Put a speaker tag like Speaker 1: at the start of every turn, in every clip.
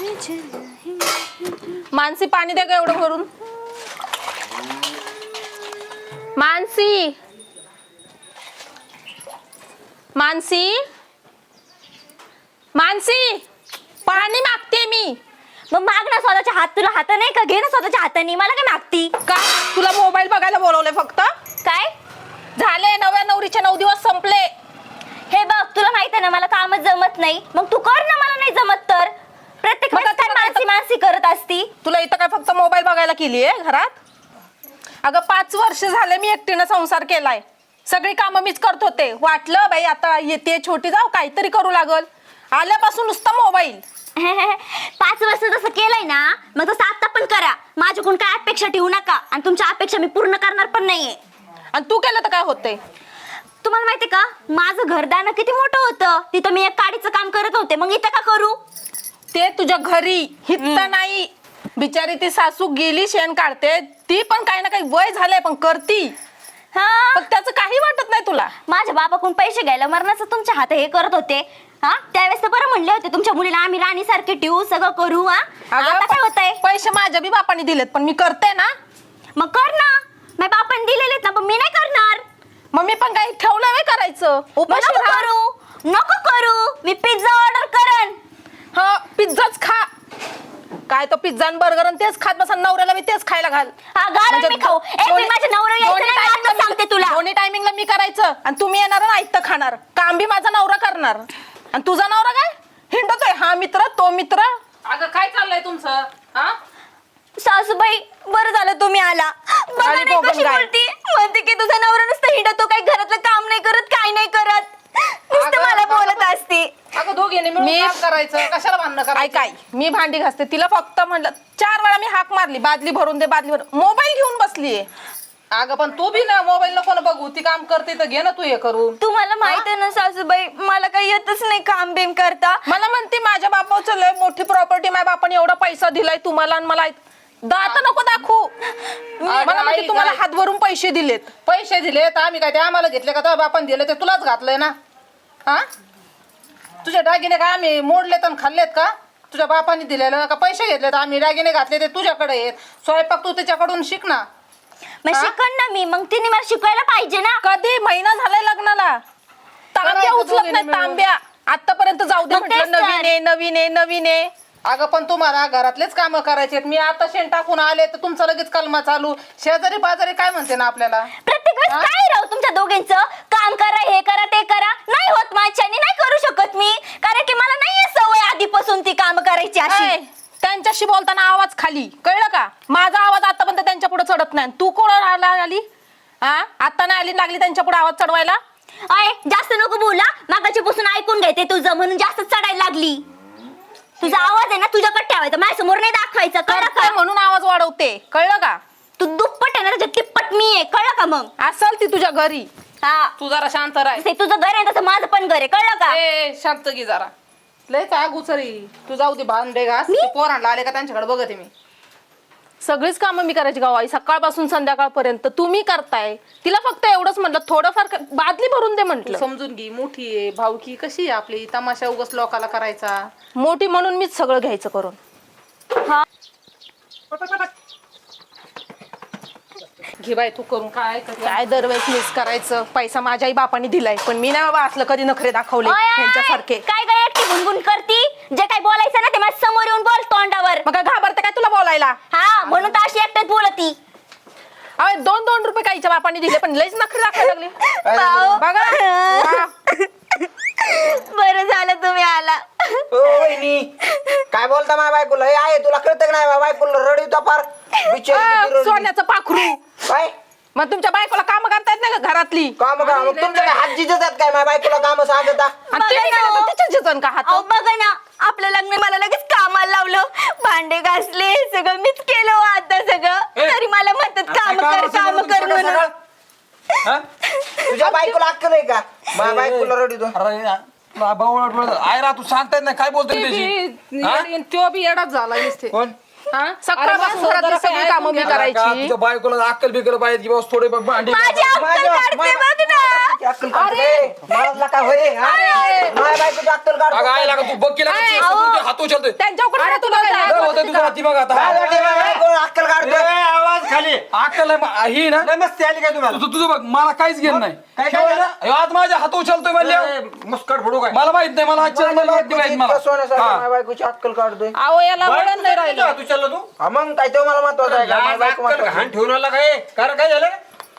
Speaker 1: मानसी पाणी दे ग एवढं भरून. मानसी मानसी मानसी पाणी मागते मी.
Speaker 2: मग माग ना स्वतःच्या हात, तुला हात नाही का? घे ना स्वतःच्या हाताने, मला काय मागती?
Speaker 1: का तुला मोबाईल बघायला बोलवले फक्त?
Speaker 2: काय
Speaker 1: झाले नव्या नवरीचे 9 दिवस संपले.
Speaker 2: हे बघ, तुला माहित आहे ना मला कामच जमत नाही, मग तू कर ना. मला नाही जमत तर प्रत्येक वेळेस काय मानसी मानसी करत असती?
Speaker 1: तुला इथं काय फक्त मोबाईल बघायला केली आहे घरात? अगं 5 वर्ष झाले मी एकटीनं संसार केलाय. सगळी कामं मीच करत होते. वाटलं बाई आता येते छोटी जाऊ काहीतरी करू लागल. आल्यापासून नुसता मोबाईल.
Speaker 2: 5 वर्ष जसं केलंय ना, मग तसं आता पण करा. माझ्याकडून काय अपेक्षा ठेवू नका, आणि तुमच्या अपेक्षा मी पूर्ण करणार पण नाहीये.
Speaker 1: आणि तू केलं तर काय होतंय?
Speaker 2: तुम्हाला माहितीये का माझं घरदार किती मोठं होतं? तिथं मी एक काडीचं काम करत होते, मग इथं का करू?
Speaker 1: ते तुझ्या घरी हित नाही. बिचारी ती सासू गेली शेण काढते, ती पण काही ना काही वय झालंय पण करती.
Speaker 2: हा,
Speaker 1: पण त्याचं काही वाटत नाही तुला.
Speaker 2: माझ्या बाबाकडून पैसे घ्यायला मरणाचं तुमच्या हात हे करत होते. हा, त्यावेळेस तर बरं म्हणले होते तुमच्या मुलीला आम्ही राणी सारखे ठेवू, सगळं करू. हा, आता काय होतंय?
Speaker 1: पैसे माझ्या बी बापाने दिलेत पण मी करते ना.
Speaker 2: मग कर ना. माझ्या बापाने दिलेलेत ना, पण मी नाही करणार.
Speaker 1: मग मी पण काही ठेवलं नाही करायचं. उपाशी
Speaker 2: नको
Speaker 1: राहा.
Speaker 2: करू, नको करू. मी पिझ्झा ऑर्डर करन.
Speaker 1: हा, पिझ्झाच खा. काय तो पिझ्झा आणि बर्गर आणि तेच खात बसा. नवऱ्याला मी तेच खायला घाल.
Speaker 2: हा, घाल मी खाऊ. मी माझ्या नवरा यायचं नाही, मी आता सांगते तुला.
Speaker 1: दोन्ही टायमिंगला मी करायचं आणि तुम्ही येणार आणि ऐकतं खाणार. काम बी माझा नवरा करणार. आणि तुझा नवरा काय हिंडतोय? हा मित्र तो मित्र. अगं काय चाललंय तुमचं? हा
Speaker 2: सासूबाई, बरं झालं तुम्ही आला. बघा
Speaker 1: आली
Speaker 2: नाही कशी
Speaker 1: काय?
Speaker 2: बोलती. म्हणते की तुझा नवरा नुसतं हिंडतो, काही घरातलं काम नाही करत, काय नाही करत. नुसतं मला बोलत असते.
Speaker 3: अगं दोघींनी मिळून काम करायचं, कशाला भांडणं करायचं?
Speaker 1: काय मी भांडी घासते. तिला फक्त म्हणलं 4 वेळा मी हाक मारली, बादली भरून दे बादली भरून. मोबाईल घेऊन बसलीये.
Speaker 3: अगं पण तू बी ना मोबाईल नको ना बघू. ती काम करते तर घे ना तू हे करून.
Speaker 2: तुम्हाला माहित आहे ना सासूबाई, मला काही येतच नाही काम बिम करता.
Speaker 1: मला म्हणते माझ्या बापाचं लय मोठी प्रॉपर्टी, माझ्या बापाने एवढा पैसा दिलाय तुम्हाला आणि मला दात नको दाखवू. मला म्हणते तुम्हाला हात भरून पैसे दिलेत.
Speaker 3: पैसे दिले तर आम्ही काय ते आम्हाला घेतले का? तर बापान दिले ते तुलाच घातलंय ना. हा, तुझे दागिने काय आम्ही मोडलेत आणि खाल्लेत का? तुझ्या बापाने दिलेलं का? पैसे घेतले तर आम्ही दागिने घातले ते तुझ्याकडे आहेत. स्वयंपाक तू त्याच्याकडून शिक ना.
Speaker 2: मग शिकण ना मी, मग तिने मला शिकवायला पाहिजे ना.
Speaker 1: कधी महिना झालाय लग्नाला तांब्या
Speaker 3: करायचं
Speaker 1: उचलत
Speaker 3: दोघींनी
Speaker 1: नाही.
Speaker 3: मिळून.
Speaker 1: तांब्या आतापर्यंत जाऊ दे
Speaker 2: मग
Speaker 1: म्हटलं.
Speaker 2: तेच तर.
Speaker 1: नवीन आहे नवीन आहे नवीन आहे.
Speaker 3: अगं पण तुम्हाला घरातलेच कामं करायचे. मी आता शेण टाकून आले तर तुमचं लगेच कलमा चालू. शेजारी बाजारी काय म्हणते ना आपल्याला?
Speaker 2: प्रत्येक वेळेस काय राहू तुमच्या दोघींचं? काम करा, हे करा, ते करा. नाही होत माझ्याने, नाही करू शकत मी, कारण की मला नाहीये सवय आधीपासून ती काम करायची अशी.
Speaker 1: ऐ, त्यांच्याशी बोलताना आवाज खाली, कळलं का? माझा आवाज आतापर्यंत त्यांच्या पुढे चढत नाही. तू कोण आली? हा, आता नाही आली लागली त्यांच्या पुढे आवाज चढवायला?
Speaker 2: अय, जास्त नको बोला. मागाची पासून ऐकून घेते तुझं, म्हणून जास्त चढायला लागली. तुझा आवाज आहे ना तुझ्याकडे ठेवायचा, माझ्या समोर नाही दाखवायचा, कळलं
Speaker 1: करते
Speaker 2: का?
Speaker 1: म्हणून आवाज वाढवते, कळलं का?
Speaker 2: तू दुप्पट आहे ना, त्याच्या तिप्पट मी आहे, कळलं का? मग
Speaker 1: असल ती तुझ्या घरी.
Speaker 2: हा,
Speaker 3: तू जरा शांत राह.
Speaker 2: जसं तुझं घर आहे तसं माझं पण घर आहे, कळलं का?
Speaker 3: ए शांत घे जरा. लयच आगुचरी. तू जाऊ दे भांडे घास. तू पोरांना आले का त्यांच्याकडे बघते मी.
Speaker 1: सगळीच कामं मी करायची गाव आई, सकाळपासून संध्याकाळपर्यंत. तुम्ही करताय. तिला फक्त एवढंच म्हटलं थोडंफार बादली भरून दे
Speaker 3: तू
Speaker 1: म्हटलं.
Speaker 3: समजून घे. मोठी आहे, भावकी कशी आहे आपली. तमाशा उगाच लोकाला करायचा.
Speaker 1: मोठी म्हणून मीच सगळं घ्यायचं करून.
Speaker 2: हा,
Speaker 3: घे बाय तू करून. काय करते?
Speaker 1: काय दरवेळेस मिस करायचं. पैसा माझ्या आई बापाने दिलाय पण मी नाही बाबा असलं कधी नखरे दाखवले
Speaker 2: ओय, ओय,
Speaker 1: त्यांच्यासारखे.
Speaker 2: काय काय एकटी गुणगुण करती? जे काय बोलायचं ना ते माझ्या समोर येऊन बोल तोंडावर.
Speaker 1: मग काय घाबरते काय तुला बोलायला?
Speaker 2: हा, म्हणून तर अशी एकट्यात बोलती.
Speaker 1: अरे 2-2 रुपये काहीच्या बापाने दिले पण लईच नखरे दाखवायला लागले.
Speaker 2: भाऊ.
Speaker 1: बघा वा.
Speaker 2: बरं झालं तुम्ही आला.
Speaker 4: ओ वहिनी, काय बोलता माझ्या बायकोला? हे आहे तुला कळतं का नाही? माझ्या बायकोला रडविता फार बिचारी किती रडली.
Speaker 1: सोन्याचं पाखरू.
Speaker 4: काय
Speaker 1: मग तुमच्या बायकोला काम करता येत नाही का घरातली?
Speaker 4: काम का? मग तुमच्या काय हात जिजतात काय? माझ्या बायकोला काम सांगता?
Speaker 1: आणि ते
Speaker 2: बघा ना.
Speaker 1: केलं तर तिच्याच जिजन का हात?
Speaker 2: अहो बघा ना, आपलं लग्न मला लगेच कामाला लावलं, भांडे घासले, सगळं मीच केलं हो आता सगळं. तरी मला म्हणतात काम कर म्हणून.
Speaker 4: तुझ्या बायकोला अक्कल आहे का? माझ्या बायकोला रडवितो.
Speaker 5: आय रा तू सांगता येत नाही काय बोलतोय त्याची?
Speaker 3: तो बी येडाच झाला नुसते.
Speaker 4: कोण?
Speaker 1: हा? सकाळपासून घरातली सगळी कामं मी करायची.
Speaker 5: तुझ्या बायकोला अक्कल बिकल पाहिजे की बाबा थोडे बघ भांडी
Speaker 2: माझी अक्कल काढते बघ ना.
Speaker 4: अक्कल काढते मला काय होय माझ्या बायकोची अक्कल
Speaker 5: अगं
Speaker 4: काढतो
Speaker 5: आईला का तू बघ केला हात उचलतोय
Speaker 1: त्यांच्याकडे काय तुला काय?
Speaker 5: लय होतंय तुझं हाती बघ आता
Speaker 4: माझ्या बायकोला अक्कल काढतो
Speaker 6: आवाज खाली
Speaker 5: अक्कल आहे ही ना
Speaker 6: मस्ती आली काय तुम्हाला
Speaker 5: तुझं बघ मला काहीच घेत नाही
Speaker 6: काय काय झालं?
Speaker 5: अयो, आज माझ्या हात उचलतोय म्हणले
Speaker 6: मुस्कट फोडू काय
Speaker 5: मला माहित नाही मला आजच्या मला हात माहित मला
Speaker 4: सोन्यासारखं
Speaker 5: हा.
Speaker 4: माझ्या बायकोची अक्कल काढतोय
Speaker 1: अहो याला वळण नाही राहिलं.
Speaker 6: तू चाललो तू
Speaker 4: हा, मग काय तो मला महत्वाचं आहे का माझी बायको महत्वाची
Speaker 6: घाण ठेवून आला काय कारण काय झालं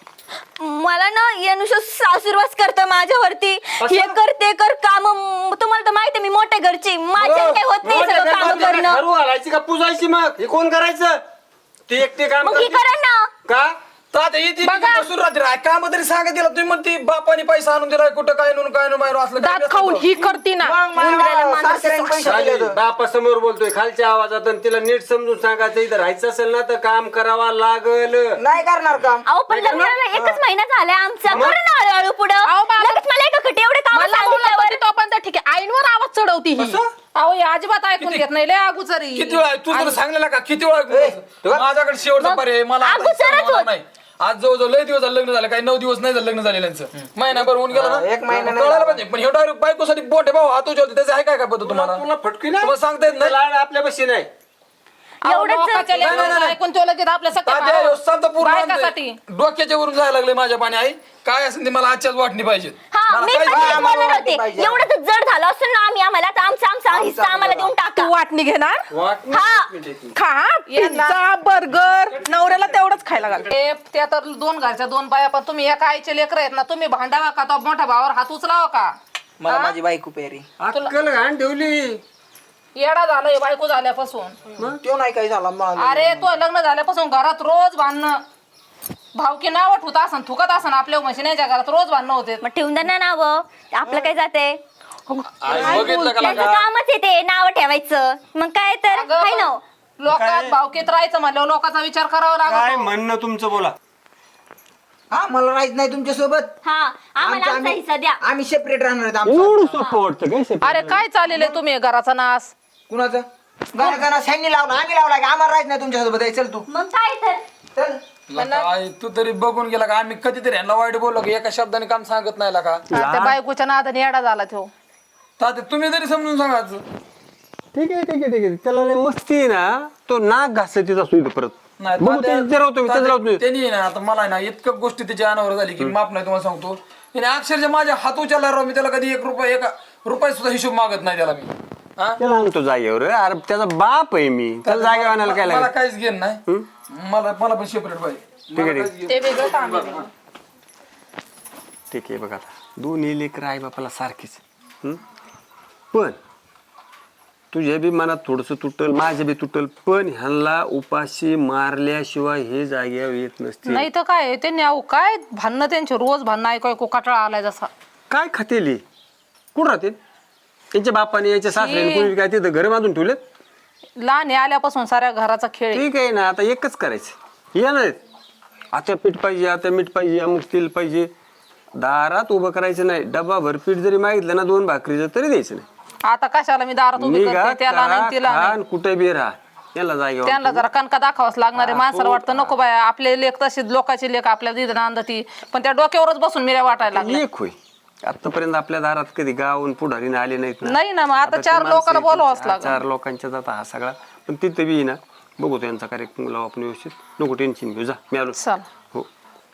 Speaker 2: मला ना यानुसार सासूरवास करतं माझ्यावरती. हे कर ते कर काम. तुम्हाला तर माहिती मी मोठ्या घरची माझ्या काही होत नाही सगळं काम करणं.
Speaker 6: घरू घालायची का पुजायची मग हे कोण करायचं ते एकटे काम
Speaker 2: मग ही
Speaker 6: करते.
Speaker 2: करा ना.
Speaker 6: का
Speaker 5: तर आता येते
Speaker 1: बघा.
Speaker 5: बसून राहते काम तरी सांगा तिला तुम्ही म्हणते बापाने पैसा आणून दिलाय कुठं काय नून काय बाहेर असलं काय
Speaker 1: दात
Speaker 5: नसतं
Speaker 1: खाऊन
Speaker 5: तो.
Speaker 1: ही करती ना.
Speaker 4: मग मला सासऱ्याने पैसे दिले तर.
Speaker 6: बापा समोर बोलतोय खालच्या आवाजात आणि तिला नीट समजून सांगायचं इथं राहायचं असेल ना तर काम करावा लागल
Speaker 4: नाही करणार काम
Speaker 2: अहो पण लग्नाला एकच महिना झालाय आमचा.
Speaker 1: मग?
Speaker 2: करू ना हळूहळू पुढं.
Speaker 1: अहो, बाबा.
Speaker 2: लगेच मला एका खटे एवढे काम
Speaker 1: मला बोलल्यावर तो पण तर ठीक आहे आईनवर आवाज चढवती ही. अहो हे अजिबात ऐकून घेत नाही लय अगोदरी.
Speaker 5: किती वेळा तू जर सांगलेला का किती वेळा माझ्याकडे शेवटचा पर्याय आहे. मला आता
Speaker 2: अगोदरच
Speaker 5: इच्छा
Speaker 2: होत.
Speaker 5: नाही आज जवळजवळ लय दिवस झाले लग्न झालं काही 9 दिवस नाही झालं लग्न झालेल्यांचं महिनाभर होऊन गेला ना
Speaker 4: एक महिना नाही
Speaker 5: कळायला
Speaker 4: झाला.
Speaker 5: पाहिजे पण हे डायरेक्ट बायकोसाठी बोट आहे भाऊ हात उचलते त्याचं आहे काय पद्धत तुम्हाला
Speaker 6: तुला फटकी ना
Speaker 5: तुम्हाला सांगता येत नाही
Speaker 6: लाड आपल्या बशी नाही
Speaker 1: अहो,
Speaker 2: एवढंच
Speaker 1: लोकांच्या
Speaker 5: नाही, नाही,
Speaker 1: लेकरांचं
Speaker 5: नाही.
Speaker 1: ऐकून तो लगेच आपल्या सख्या
Speaker 5: तात्या,
Speaker 1: भावावर.
Speaker 5: शांत पूर्ण
Speaker 1: बायकासाठी.
Speaker 5: आणतंय. डोक्याच्या वरून जायला लागले माझ्या पाणी आई काय असेल ते मला आजच्याच वाटणी पाहिजे
Speaker 2: हा
Speaker 5: मला
Speaker 2: मी
Speaker 5: काहीच
Speaker 2: पण
Speaker 5: नाही.
Speaker 2: तेच
Speaker 4: आम्हाला
Speaker 2: बोलणार
Speaker 4: वाटणी
Speaker 2: होते.
Speaker 4: पाहिजे.
Speaker 2: एवढं तर जड झालं असं ना आम्ही आम्हाला आता आमचा हिस्सा आम्हाला देऊन टाका.
Speaker 1: तू वाटणी घेणार
Speaker 2: हा
Speaker 1: खा पिझ्झा बर्गर नवऱ्याला तेवढंच खायला घाल.
Speaker 3: त्या तर दोन घरच्या दोन बाया पण तुम्ही एका आईचे लेकर आहेत ना तुम्ही भांडावा का तो मोठ्या भावावर हात उचलावा का
Speaker 4: मला माझी बायको पेरी
Speaker 6: अक्कल घाण ठेवली
Speaker 3: येडा झालंय बायको झाल्यापासून.
Speaker 4: तो नाही काही झाला मला
Speaker 3: अरे तो लग्न झाल्यापासून घरात रोज भांडणं भावकी नावट होत असन थुकत असन आपल्या म्हशीच्या घरात रोज भांडणं होते.
Speaker 2: मग ठेवून द्या ना नाव आपलं काय जाते.
Speaker 5: आई बघितलं का
Speaker 2: त्यांचं
Speaker 5: लागा?
Speaker 2: कामच आहे ते नाव ठेवायचं. मग काय तर
Speaker 3: अगं,
Speaker 2: हाय ना.
Speaker 3: लोकात भावकीत राहायचं म्हणल्यावर लोकांचा विचार करावा
Speaker 6: काय
Speaker 3: लागतो.
Speaker 6: म्हणणं तुमचं बोला
Speaker 4: हा मला राहायचं नाही तुमच्या सोबत
Speaker 2: हा आम्हाला आमचा हिस्सा द्या.
Speaker 4: आम्ही सेपरेट राहणार आहेत आमचं.
Speaker 6: एवढं सोपं वाटतं काय
Speaker 3: अरे काय चाललेलं आहे तुम्ही घराचा नाश.
Speaker 4: कुणाचं गाणं ह्यांनी लावलं आम्ही लावला की आम्हाला राहायचं नाही तुमच्या सोबत चल तू
Speaker 2: मग काय तर
Speaker 4: चल
Speaker 5: लका, आई तू तरी बघून गेला का आम्ही कधीतरी यांना वाईट बोललो की एका शब्दाने काम सांगत नाही का
Speaker 3: त्या बायकोच्या नादाने येडा झाला तो.
Speaker 5: तात्या तुम्ही तरी समजून सांगायचं
Speaker 6: ठीक आहे त्याला लय मस्ती आहे ना तो नाक घासला तिचा सुई परत
Speaker 5: नाही
Speaker 6: बघू
Speaker 5: तात्या-
Speaker 6: ते राहतो
Speaker 5: तात्या,
Speaker 6: राहतो
Speaker 5: त्यांनी ना आता मला ना इतकं गोष्टी त्याच्या अनावर झाली की माफ नाही तुम्हाला सांगतो त्याने अक्षरशः माझ्या हात उचलला राव मी त्याला कधी एका रुपये सुद्धा हिशोब मागत नाही त्याला मी हा?
Speaker 6: त्याला आणतो जागेवर अरे त्याचा बाप आहे मी त्याला जागेवर आणायला काय
Speaker 5: मला
Speaker 6: लागेल
Speaker 5: काहीच घेण नाही मला पण सेपरेट पाहिजे
Speaker 6: ठीक आहे,
Speaker 5: मला
Speaker 6: ठीक.
Speaker 5: काहीच घेणं
Speaker 3: ते वेगळं काम आहे.
Speaker 6: ठीक आहे बघा आता दोन्ही लेकर आई बापाला सारखीच हं? पण तुझ्या बी मनात थोडंसं तुटल माझ्या बी तुटल पण ह्यांना उपाशी मारल्याशिवाय हे जागेवर येत नसते
Speaker 3: नाही तर काय त्यांनी अहो काय भांडणं त्यांचे रोज भांडणं ऐकू ऐकू कटाळा आलाय जसा.
Speaker 6: काय खातेली कुठं राहते त्यांच्या बापाने याच्या सासऱ्याने कोणी काय तिथं घर बांधून ठेवलेत
Speaker 3: लहान आहे आल्यापासून साऱ्या घराचा खेळ आहे.
Speaker 6: ठीक आहे ना आता एकच करायचं या नाही आता पीठ पाहिजे आता मीठ पाहिजे अमुक तेल पाहिजे दारात उभं करायचं नाही डब्बाभर पीठ जरी मागितलं ना 2 भाकरीचं तरी द्यायचं नाही
Speaker 3: आता कशाला मी दारात उभी
Speaker 6: निघा
Speaker 3: करते त्याला
Speaker 6: करा,
Speaker 3: नाही तिला नाही.
Speaker 6: खान कुठे बी राहा याला जागेवर
Speaker 3: त्यांना जरा कणका दाखवाच लागणार आहे. माणसाला वाटतं नको बाया आपले लेख तशी लोकांची लेख आपल्या दिद नांदती पण त्या डोक्यावरच बसून मिऱ्या वाटायला लागल्या.
Speaker 6: एक होय आतापर्यंत आपल्या दारात कधी गावून पुढारीने आले नाहीत ना
Speaker 3: नाही ना मग आता
Speaker 6: आता
Speaker 3: 4
Speaker 6: ते
Speaker 3: लोकांना
Speaker 6: माणसं
Speaker 3: बोलवाच
Speaker 6: आहेत,
Speaker 3: लागलं.
Speaker 6: 4 लोकांच्या जाता हा सगळा पण तिथे बी ना बघू त्यांचा कार्यक्रम लावू आपण व्यवस्थित नको टेन्शन घेऊ जा मी आलो
Speaker 3: चल
Speaker 6: हो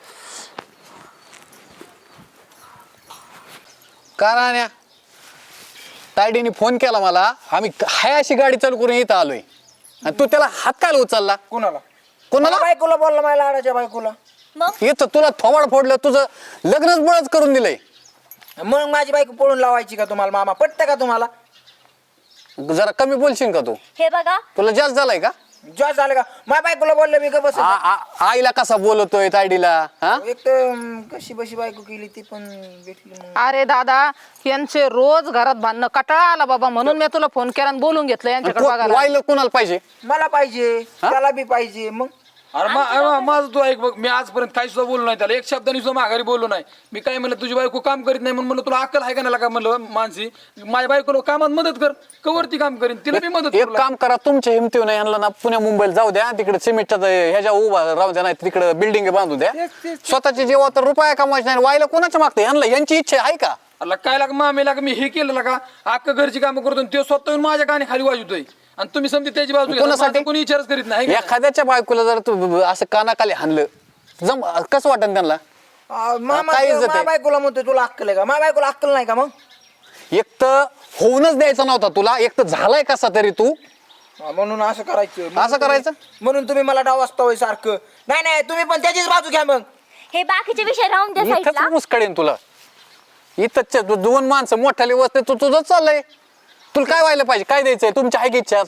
Speaker 7: का राण्या तायडीने फोन केला मला आम्ही हाय अशी गाडी चालू करून इथं आलोय आणि तू त्याला हात काय उचलला
Speaker 4: कुणाला
Speaker 7: कोणाला
Speaker 4: बायकोला बोलला माझ्या लाडाच्या बायकोला
Speaker 2: मग
Speaker 7: इथं तुला थोबाड फोडलं तुझं लग्नच बळच करून दिलंय
Speaker 4: मग माझी बायको पळून लावायची का तुम्हाला मामा पटतं का तुम्हाला
Speaker 7: जरा कमी बोलशील का तू
Speaker 2: हे बघा
Speaker 7: तुला जास्त झालाय का
Speaker 4: जॉस झालं का माझ्या बायकोला बोललं मी का बस
Speaker 7: आईला कसा बोलतोय तायडीला हा
Speaker 4: एक तर कशी बशी बायको केली ती पण भेटली मग
Speaker 3: अरे दादा यांचे रोज घरात भांडणं कटाळा आला बाबा म्हणून मी तुला फोन केला आणि बोलून घेतलं यांच्याकडे बघायला.
Speaker 7: वाईला कोणाला पाहिजे
Speaker 4: मला पाहिजे त्याला बी पाहिजे मग
Speaker 5: अरे माझं तू ऐक बघ, मी आजपर्यंत काही सुद्धा बोललो नाही त्याला, एक शब्दाने सुद्धा माघारी बोललो नाही. मी काय म्हणलं तुझी बायको काम करीत नाही म्हणून म्हणलं तुला अक्कल आहे का नाही का म्हणलं मानसी, माझ्या बायकोला कामात मदत कर, कवरती काम करीन, तिला मी मदत
Speaker 7: एक
Speaker 5: करू
Speaker 7: काम करा, तुमच्या हिमतीवर नाही यांना ना पुण्या मुंबईला जाऊ द्या, तिकडे सिमेंटच्या ह्याच्या उभा राहू द्या, नाही तिकडे बिल्डिंग बांधू द्या. स्वतःचे जेव्हा तर रुपया कमवायचे नाही, व्हायला कोणाच्या मागते यांना, यांची इच्छा आहे का?
Speaker 5: अला काय लाग मामेला मी हे केलं का अख्खं घरची कामं करतो आणि तो स्वतः येऊन माझ्या काने खाली वाजवतोय आणि तुम्ही समजा त्याची बाजू घेता.
Speaker 7: कोणासाठी?
Speaker 5: माझं कोणी विचारच करीत नाही.
Speaker 7: एखाद्याच्या बायकोला जर तू असं कानाखाली हाणलं कसं वाटन त्यांना?
Speaker 4: मामा
Speaker 7: काय इज्जत आहे?
Speaker 4: माझ्या बायकोला म्हणतोय तुला अक्कल आहे का? माझ्या बायकोला अक्कल नाही का मग?
Speaker 7: एक तर होऊनच द्यायचा नव्हता तुला, एक तर झालाय कसा तरी तू
Speaker 4: म्हणून असं करायचं.
Speaker 7: असं करायचं?
Speaker 4: म्हणून तुम्ही मला डाव असता सारखं. नाही नाही, तुम्ही पण त्याचीच बाजू घ्या मग.
Speaker 2: हे बाकीचे विषय राहून द्या
Speaker 7: इथंच
Speaker 2: साईडला.
Speaker 7: मुस्कडेन तुला. इथंच दोन माणसं मोठ्याले वसते, तू तुझं चाललंय. तुला काय व्हायला पाहिजे, काय द्यायचंय? तुमच्या आहे की इच्छा?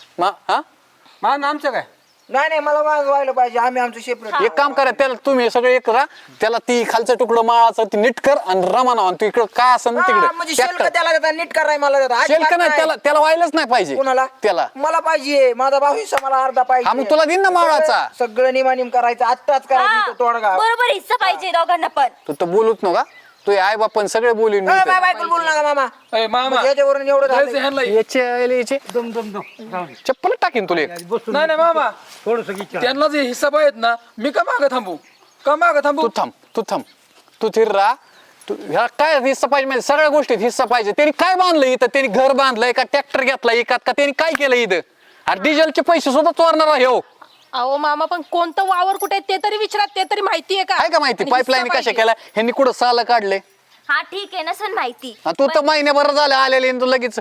Speaker 6: आमचं काय
Speaker 4: नाही नाही, मला माग व्हायला पाहिजे. आम्ही आमचं सेपरेट.
Speaker 7: एक काम करा, त्याला तुम्ही सगळे एक करा, त्याला ती खालचं तुकडं माळाचं ती नीट कर आणि रमाना तू इकडं काय असेल ना
Speaker 4: म्हणजे
Speaker 7: तिकडे
Speaker 4: शेल्क त्याला देता, नीट कराय मला देता.
Speaker 7: शेल्क
Speaker 4: अजिबात
Speaker 7: नाही,
Speaker 4: नाही.
Speaker 7: त्याला त्याला व्हायलाच नाही पाहिजे.
Speaker 4: कोणाला?
Speaker 7: त्याला
Speaker 4: मला पाहिजे. माझा भाऊ हिस्सा मला अर्धा
Speaker 7: हा,
Speaker 4: पाहिजे.
Speaker 7: मग तुला देईन ना मावळाचा.
Speaker 4: सगळं निमानिम करायचं, आत्ताच करायचं तो तोडगा.
Speaker 2: बरोबर हिस्सा पाहिजे दोघांना पण.
Speaker 7: तू तर बोलूच नका, तू आई बापन सगळे बोलून
Speaker 4: माझ्या बायकोला बोलू नका मामा.
Speaker 5: अय मामा
Speaker 4: म्हणजे याच्यावरून एवढं झालंय.
Speaker 5: जायचं ह्यांना.
Speaker 7: याचे चप्पल टाकीन तुला एक.
Speaker 5: नाही नाही मामा त्यांना जे हिस्सा पाहिजेत ना, मी का मागं थांबू, का मागं थांबू?
Speaker 7: तू थांब तू थिर राहा. तू ह्या काय हिस्सा पाहिजे म्हणजे सगळ्या गोष्टीत हिस्सा पाहिजे. त्यांनी काय बांधलं इथं? त्यांनी घर बांधलंय का ट्रॅक्टर घेतला एकात का? त्यांनी काय केलं इथं? अरे डिझेलचे पैसे सुद्धा चोरणार आहे हो.
Speaker 1: अहो मामा, पण कोणतं वावर कुठे आहे ते तरी विचारात, ते तरी माहितीये का?
Speaker 7: आहे का माहिती?
Speaker 1: आणि
Speaker 7: पाईपलाईन
Speaker 1: हिस्सा
Speaker 7: कशा
Speaker 1: पाहिजे.
Speaker 7: केल्या ह्यांनी कुठं साल काढले?
Speaker 2: हा ठीक आहे, नसन माहिती.
Speaker 7: तू तर महिन्याभर झालं आलेले आणि तू लगेच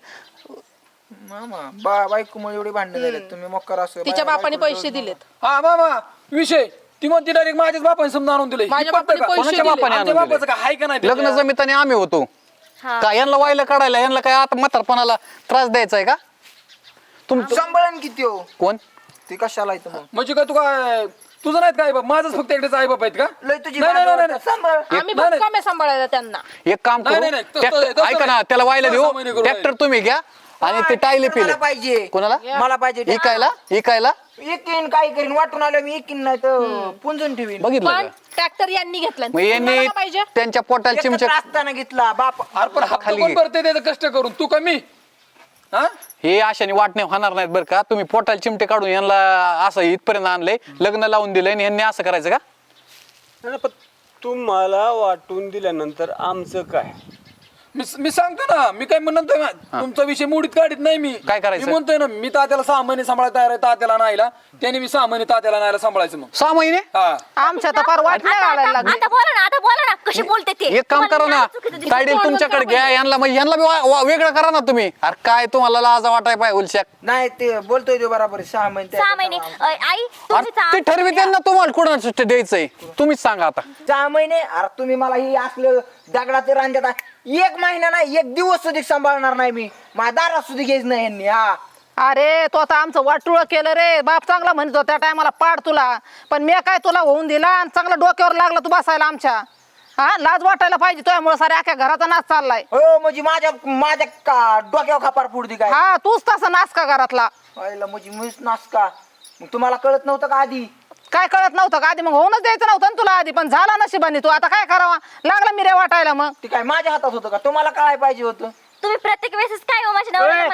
Speaker 4: मामा बायकोमुळे एवढी भांडणं झालेत. तुम्ही मक्कर असं
Speaker 1: तिच्या बापाने पैसे दिलेत.
Speaker 5: हा मामा विषय ती म्हणते डायरेक्ट माझ्याच बापाने समजा आणून दिले.
Speaker 1: माझ्या बापाने पैसे
Speaker 7: कोणाच्या
Speaker 1: दिले.
Speaker 7: बापाने
Speaker 5: आमच्या
Speaker 7: आणून
Speaker 5: बापाचं
Speaker 7: दिले?
Speaker 5: काय आहे का नाही?
Speaker 7: लग्न जमिताने आम्ही होतो
Speaker 2: हा.
Speaker 7: का? यांना वायला काढायला यांना काय आता म्हातारपणाला त्रास द्यायचा आहे का? तुमचं
Speaker 4: सांभाळून किती हो
Speaker 7: कोण?
Speaker 4: ती कशाला येतं मग?
Speaker 5: म्हणजे काय तू काय तुझं नाहीत काय बाप, माझंच फक्त एकटेच आई बाप आहेत का?
Speaker 4: लय तुझी
Speaker 5: नाही, नाही,
Speaker 4: बाजू
Speaker 5: नाही, नाही.
Speaker 4: सांभाळ.
Speaker 1: आम्ही
Speaker 5: नाही,
Speaker 1: पण कमी सांभाळायला त्यांना.
Speaker 7: एक काम
Speaker 5: नाही,
Speaker 7: करू,
Speaker 5: नाही, नाही.
Speaker 7: ट्रॅक्टर
Speaker 5: तसं
Speaker 7: ऐका ना,
Speaker 5: नाही.
Speaker 7: त्याला व्हायला देऊ.
Speaker 5: सहा महिने करू
Speaker 7: ट्रॅक्टर तुम्ही घ्या आणि ते टायले पिले.
Speaker 4: मला पाहिजे.
Speaker 7: कोणाला?
Speaker 4: मला पाहिजे.
Speaker 7: इकायला
Speaker 4: एकीन काय करीन वाटून आलं मी, एकीन नाही तर पुंजून ठेवीन.
Speaker 7: बघितलं
Speaker 1: पण
Speaker 7: का?
Speaker 1: ट्रॅक्टर यांनी घेतला.
Speaker 7: मग यांनी
Speaker 1: तुम्हाला पाहिजे.
Speaker 7: त्यांच्या पोटाला चिमच्या
Speaker 4: एकत्र असताना घेतला बाप.
Speaker 5: अरे पण हप्ता
Speaker 7: खाली
Speaker 5: कोण
Speaker 7: घे.
Speaker 5: भरते त्याचं कष्ट करून, तू कमी? हा
Speaker 7: हे आशाने वाटणे होणार नाहीत बरं का. तुम्ही पोटाला चिमटे काढून यांना असं इथपर्यंत आणलंय, लग्न लावून दिलंय आणि यांनी असं करायचं का?
Speaker 6: पण तुम्हाला वाटून दिल्यानंतर आमचं काय?
Speaker 5: मी सांगतो ना, मी काय म्हणतोय ना, तुमचा विषय मोडीत काढत नाही मी.
Speaker 7: काय करायचं?
Speaker 5: मी म्हणतोय ना, मी तात्याला 6 महिने सांभाळायला तयार आहे, तात्याला नाहीला त्याने मी 6 महिने तात्याला नाहीला सांभाळायचं मग.
Speaker 7: 6 महिने?
Speaker 5: हा
Speaker 1: आमच्या तर फार वाटण्या घालायला लागले.
Speaker 2: आता बोला ना कशी बोलते ते.
Speaker 7: एक काम करा ना,
Speaker 2: चुकीचं दिसतं.
Speaker 7: तायडील तुमच्याकडे घ्या, यांना मग यांना बी वेगळं करा ना तुम्ही. अरे काय तुम्हाला लाजा वाटाय पाय उलशाक.
Speaker 4: नाही ते बोलतोय ते बरोबर आहे. 6 महिने
Speaker 2: 6 महिने. आई तुम्ही
Speaker 7: अरे ते ठरविते ना तुम्हाला कुणाला सुट्टी द्यायचंय, तुम्हीच सांगा आता.
Speaker 4: 6 महिने. अरे तुम्ही मला ही असलं दगडाचे रांजत आहे. 1 महिना नाही, 1 दिवस सुद्धा सांभाळणार नाही मी. माझ्या दारात सुद्धा घ्यायच नाही यांनी. हा
Speaker 1: अरे तो आता आमचं वाटुळ केलं रे. बाप चांगला म्हणतो त्या टायमाला पाड तुला, पण मी काय तुला होऊन दिला आणि चांगला डोक्यावर लागला तू बसायला आमच्या. हा लाज वाटायला पाहिजे तुझ्यामुळे सारे अख्या घराचा नाच चाललाय.
Speaker 4: हो म्हणजे माझ्या डोक्यावर खापार पुढती काय?
Speaker 1: हा तूच तसा नाच का घरातला?
Speaker 4: व्हायला म्हणजे मीच नाच का? मग तुम्हाला कळत नव्हतं का आधी?
Speaker 1: काय कळत नव्हतं का आधी? मग होऊनच द्यायचं नव्हतं ना तुला आधी, पण झाला नशिबाने. तू आता काय करावा लागला मी रे वाटायला. मग
Speaker 4: ते काय माझ्या हातात होतं का? तुम्हाला कळायला पाहिजे होतं.
Speaker 2: तुम्ही प्रत्येक वेळेस काय हो माझ्या नवऱ्याला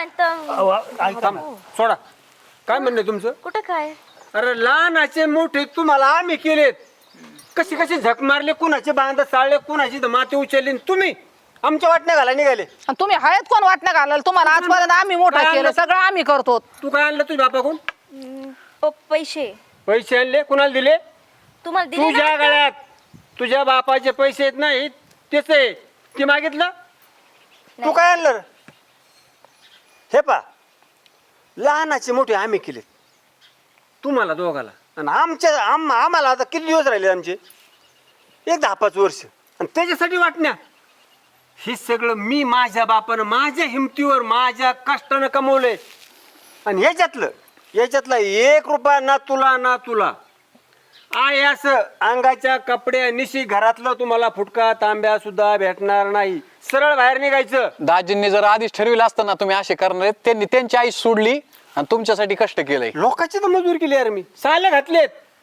Speaker 2: म्हणतो.
Speaker 6: सोडा, काय म्हणणं तुमचं?
Speaker 2: कुठं काय?
Speaker 6: अरे लहानाचे मोठे तुम्हाला आम्ही केलेत. कशी कशी झक मारले, कुणाचे बांध चाळले, कुणाची माती उचलली, तुम्ही आमच्या वाटण्या घाला निघाले.
Speaker 1: आणि तुम्ही हयात कोण वाटणं घालाल? तुम्हाला आजपर्यंत आम्ही मोठं केलं, सगळं आम्ही करतो.
Speaker 6: तू काय आणलं तुझ्या बापाकडून?
Speaker 2: पैसे
Speaker 6: पैसे आणले, कुणाला दिले?
Speaker 2: तुम्हाला दिले
Speaker 6: तुझ्या
Speaker 2: ना?
Speaker 6: गळ्यात तुझ्या बापाचे पैसे येत नाही, तेच आहे ते मागितलं. तू काय आणलं? हे पा, लहानाचे मोठे आम्ही केलेत तुम्हाला दोघाला, आणि आम्हाला आता किती दिवस राहिले आमचे? 1-10-5 वर्ष. आणि त्याच्यासाठी वाटण्या हे सगळं मी माझ्या बापानं माझ्या हिमतीवर माझ्या कष्टानं कमवलंय. आणि याच्यातला 1 रुपया ना तुला आहे असं अंगाच्या कपड्या निशी घरातलं तुम्हाला फुटका तांब्या सुद्धा भेटणार नाही. सरळ बाहेर निघायचं.
Speaker 7: दाजींनी जर आधीच ठरविलं असतं ना तुम्ही असे करणार आहेत, त्यांनी त्यांची आई सोडली आणि तुमच्यासाठी कष्ट केलंय.
Speaker 6: लोकांची तर मजूर केली यार मी. साले घातलेत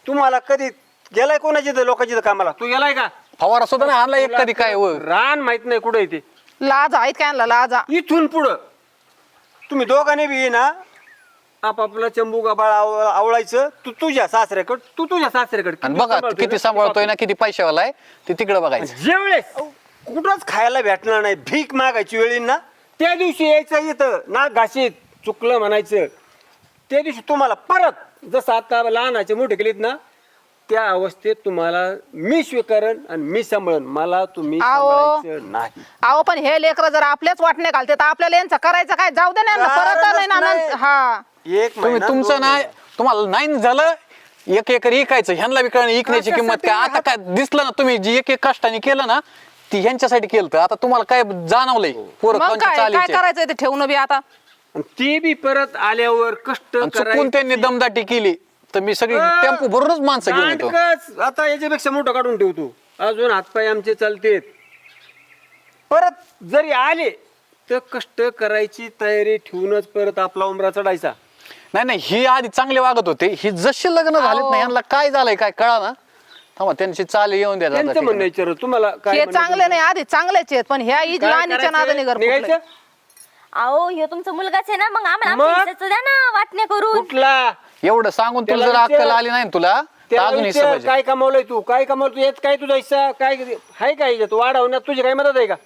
Speaker 6: तुम्हाला कधी गेलाय कोणाची इथं लोकांची इथं कामाला? तू गेलाय का?
Speaker 7: फवारा सुद्धा नाही आणला एक कधी काय व.
Speaker 6: रान माहित नाही कुठे येते.
Speaker 1: लाज आहेत काय आणला लाजा.
Speaker 6: इथून पुढं तुम्ही दोघांनी बी ना आपापला चंबू गबाळ आवळायचं. तू तुझ्या सासऱ्याकडे
Speaker 7: आणि बघा किती सांभाळतोय ना, किती पैशावाला आहे ते तिकडे बघायचं.
Speaker 6: जेवढेच कुठंच खायला भेटणार नाही, भीक मागायची वेळी ना त्या दिवशी यायचं इथं नाक घाशीत चुकलं म्हणायचं. त्या दिवशी तुम्हाला परत जसं आता लहानाचे मोठे केलेत ना त्या अवस्थेत तुम्हाला मी स्वीकारण आणि मी सांभाळन. मला तुम्ही सांभाळायचं नाही.
Speaker 1: अहो पण हे लेकर जर आपल्याच वाटणे घालते तर आपल्याला यांचं करायचं काय? जाऊ दे ना यांना, परत नाही ना
Speaker 6: नाही.
Speaker 1: हा
Speaker 6: एक
Speaker 7: तुम्ही
Speaker 6: महिना,
Speaker 7: तुमचं
Speaker 6: दोन
Speaker 7: नाही, तुम्हाला नाही झालं एक एकर इकायचं, ह्यांना बी कळलं इकण्याची किंमत काय. आता काय दिसलं ना, तुम्ही जी एक कष्टाने केलं ना ती ह्यांच्यासाठी केलं. तर आता तुम्हाला काय जाणवलंय पोरं
Speaker 1: मग
Speaker 7: कोणच्या
Speaker 1: काय काय
Speaker 7: चालीचे.
Speaker 1: करायचं ते ठेवणं बी आता.
Speaker 6: आणि ते बी परत आल्यावर कष्ट
Speaker 7: आणि चुकून त्यांनी दमदाटी केली तर मी सगळी टेम्पो भरूनच माणसं घेऊन येतो.
Speaker 6: नाटकच. आता याच्यापेक्षा मोठं काढून ठेवतो. अजून हातपाय आमचे चालतेत. परत जरी आले तर कष्ट करायची तयारी ठेवूनच परत आपला उमरा चढायचा.
Speaker 7: नाही नाही, ही आधी चांगले वागत होते. ही जसे लग्न झालेत ना यांना काय झालंय काय कळा ना. थांबा त्यांची चाल येऊन द्या.
Speaker 6: त्यांचं म्हणणं विचार तुम्हाला काय
Speaker 1: हे
Speaker 6: म्हणायचं?
Speaker 1: चांगले नाही आधी चांगलेच आहेत पण ह्या
Speaker 6: काय
Speaker 1: लहानीच्या
Speaker 6: करायचं?
Speaker 1: नादाने घर फुटलंय.
Speaker 6: निघायचं?
Speaker 2: अहो ह्यो तुमचा मुलगाच आहे ना, मग आम्हाला
Speaker 6: मग?
Speaker 2: आमच्या हिस्साचं द्या ना वाटण्या करून.
Speaker 6: कुठला
Speaker 7: एवढं सांगून तुला
Speaker 6: त्याला
Speaker 7: जर अक्कल
Speaker 6: विचार.
Speaker 7: आली नाही ना तुला तर
Speaker 6: त्याला
Speaker 7: अजून हिस्सा
Speaker 6: विचार,
Speaker 7: पाहिजे.
Speaker 6: काय कमावलंय तू? काय कमावलं तू? यात काय तुझा हिस्सा? काय आहे काय याच्यात वाढवण्यात तुझी काय मदत आहे का?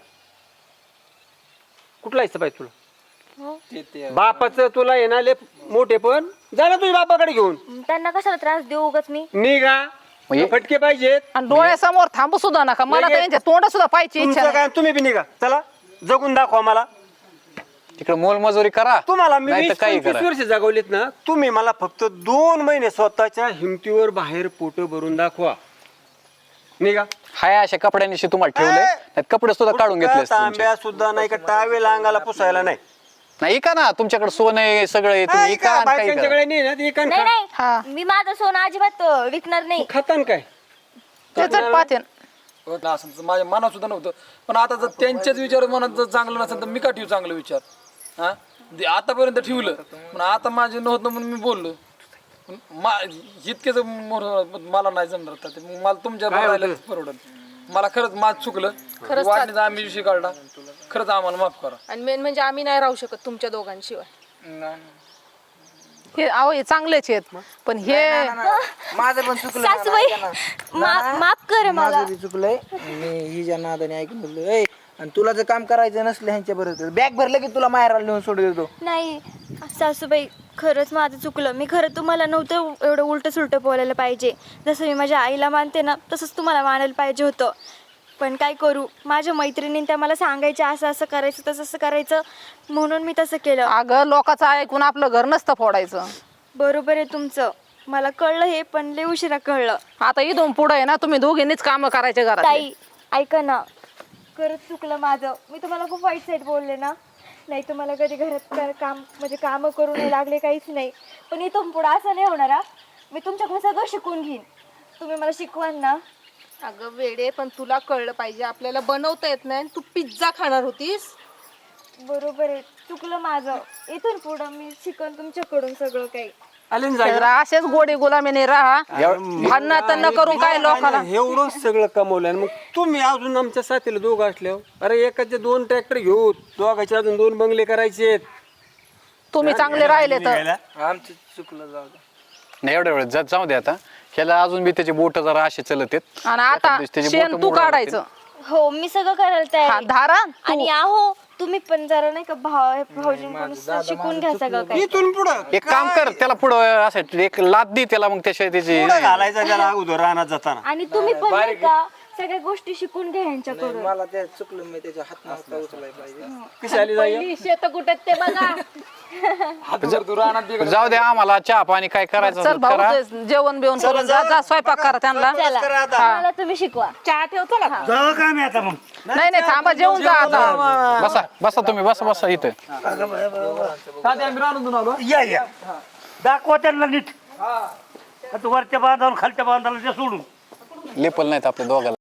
Speaker 6: कुठला हिस्सा पाहिजे तुला? बापाचं तुला येणारे मोठे पण जा ना तुझ्या बापाकडे घेऊन.
Speaker 2: त्यांना कशाला त्रास देऊ उगाच मी.
Speaker 6: निघा.
Speaker 7: म्हणजे-
Speaker 6: फटके पाहिजेत.
Speaker 1: आणि डोळ्यासमोर थांबू सुद्धा नका. मला तर यांच्या तोंड सुद्धा पाहिजे इच्छा
Speaker 6: तुमचं
Speaker 1: नाही.
Speaker 6: काय तुम्ही बी निघा. चला जगून दाखवा मला.
Speaker 7: तिकडे मोलमजुरी करा
Speaker 6: तुम्हाला मी
Speaker 7: नाही तर काही
Speaker 6: 20-25
Speaker 7: करा.
Speaker 6: वर्ष जगवलेत ना. तुम्ही मला फक्त 2 महिने स्वतःच्या हिमतीवर बाहेर पोट भरून दाखवा. निघा.
Speaker 7: हाय अशा कपड्यांनी तुम्हाला ठेवले नाही कपडे सुद्धा काढून घेतले असते तुमचे.
Speaker 6: तांब्या सुद्धा नाही का टावेल अंगाला पुसायला नाही.
Speaker 7: नाही का ना तुमच्याकडे सोनं आहे सगळं आहे, तुम्ही इका आणि काही करा.
Speaker 6: बायकांच्याकडे नाही ना ते एकान
Speaker 2: नाही
Speaker 1: हा.
Speaker 2: नाही, मी माझं सोनं अजिबात विकणार नाही.
Speaker 6: खातान काय?
Speaker 1: त्याच पाहते
Speaker 5: असं तर माझ्या मनात सुद्धा नव्हतं. पण आता जर त्यांच्याच विचार मनात जर चांगलं नसेल तर मी का ठेवू चांगलं विचार? हा आतापर्यंत ठेवलं पण आता माझे नव्हतं म्हणून मी बोललो. इतकेच मला नाही जमणार का ते. मग मला तुमच्या राहिलं परवडत. मला खरंच माझ चुकलं. वाटणीचा आम्ही विषय काढला. खरंच आम्हाला माफ करा.
Speaker 1: आणि मेन म्हणजे आम्ही नाही राहू शकत तुमच्या दोघांशिवाय. हे अहो हे चांगलेच आहेत पण हे
Speaker 4: माझं पण चुकलं.
Speaker 2: सासूबाई माफ कर मला.
Speaker 4: माझं बी चुकलंय. मी हिच्या नादाने ऐकून बोललो. ए आणि तुला जर काम करायचं नसलं ह्यांच्या बरोबर बॅग भरलं की तुला माहेराला नेऊन सोडून देतो.
Speaker 2: नाही सासूबाई, खरंच माझं चुकलं. मी खरं तुम्हाला नव्हतं एवढं उलट सुलट बोलायला पाहिजे. जसं मी माझ्या आईला मानते ना तसंच तुम्हाला मानायला पाहिजे होतं. पण काय करू, माझ्या मैत्रिणींनी त्या मला सांगायच्या असं असं करायचं तसं करायचं म्हणून मी तसं केलं.
Speaker 1: अगं लोकांचं ऐकून आपलं घर नसतं फोडायचं.
Speaker 2: बरोबर आहे तुमचं. मला कळलं हे पण लय उशिरा कळलं.
Speaker 1: आता इथून पुढे आहे ना तुम्ही दोघींनीच काम करायचे घरात.
Speaker 2: ताई ऐका ना, खरंच चुकलं माझं. मी तुम्हाला खूप वाईट साईड बोलले ना. नाही तुम्हाला कधी घरात काम म्हणजे कामं करू नाही लागले काहीच नाही. पण इथून पुढं असं नाही होणार. मी तुमच्याकडून सगळं शिकून घेईन. तुम्ही मला शिकवाल ना.
Speaker 1: अगं वेडे पण तुला कळलं पाहिजे आपल्याला बनवता येत नाही. तू पिझ्झा खाणार होतीस.
Speaker 2: बरोबर आहे, चुकलं माझं. इथून पुढं मी शिकन तुमच्याकडून सगळं काही.
Speaker 6: आले ना जायला?
Speaker 1: तर असेच गोडी गुलामीने राहा. भांडणं तन्न करून काय लोकांना.
Speaker 6: एवढं सगळं कमवलं आणि मग तुम्ही अजून आमच्या साथीला दोघं असल्यावर अरे एकाचे 2 ट्रॅक्टर घेऊ, दोघांचे अजून 2 बंगले करायचे.
Speaker 1: तुम्ही चांगले राहिले तर
Speaker 4: आमचं चुकलं. जाऊ दे.
Speaker 7: नाही एवढ्या वेळेस जाऊ दे आता. ह्याला अजून बी त्याचे बोट जरा असे चलत आहेत.
Speaker 1: आणि आता
Speaker 7: त्याचे
Speaker 1: शेण
Speaker 7: बोटं
Speaker 1: तू
Speaker 7: मोडायला
Speaker 1: काढायचं.
Speaker 2: हो मी सगळं करायला तयार
Speaker 1: हा,
Speaker 2: आहे.
Speaker 1: धारा
Speaker 2: आणि आहो तुम्ही पण जरा नाही का भाऊजींकडून शिकून घ्या सगळं काही.
Speaker 6: इथून पुढं
Speaker 7: एक काम कर त्याला पुढं असं एक लाद दे त्याला मग त्याशिवाय त्याची
Speaker 6: पुढं घालायचा त्याला अगोदर रानात जाताना.
Speaker 2: आणि तुम्ही पण नाही का सगळ्या गोष्टी शिकून घ्या यांच्याकडून.
Speaker 4: मला ते चुकलं. मी त्याच्या हात नसता उचलायला पाहिजे.
Speaker 6: कशी आली जाई?
Speaker 1: पहिली शेत कुठे ते बघा.
Speaker 5: तू राहणार बिघड.
Speaker 7: जाऊ दे आम्हाला चहा पाणी काय करायचं
Speaker 1: चल
Speaker 7: असेल
Speaker 1: भाऊ
Speaker 7: करा.
Speaker 1: ते जेवण बिवण करून जा जा स्वयंपाक करा त्यांना.
Speaker 2: मला तुम्ही शिकवा.
Speaker 1: चहा ठेवतो ना.
Speaker 8: जाऊ का मी आता मग?
Speaker 1: नाही नाही थांबा जेवून जा आता.
Speaker 7: बसा बसा तुम्ही बसा इथं.
Speaker 5: तात्या, आम्ही राहून आलो.
Speaker 8: या दाखवा त्यांना नीट. आता वरच्या बांधावर खालच्या बांधाला ते सोडून
Speaker 7: लेपल नाहीत आपल्या दोघाला.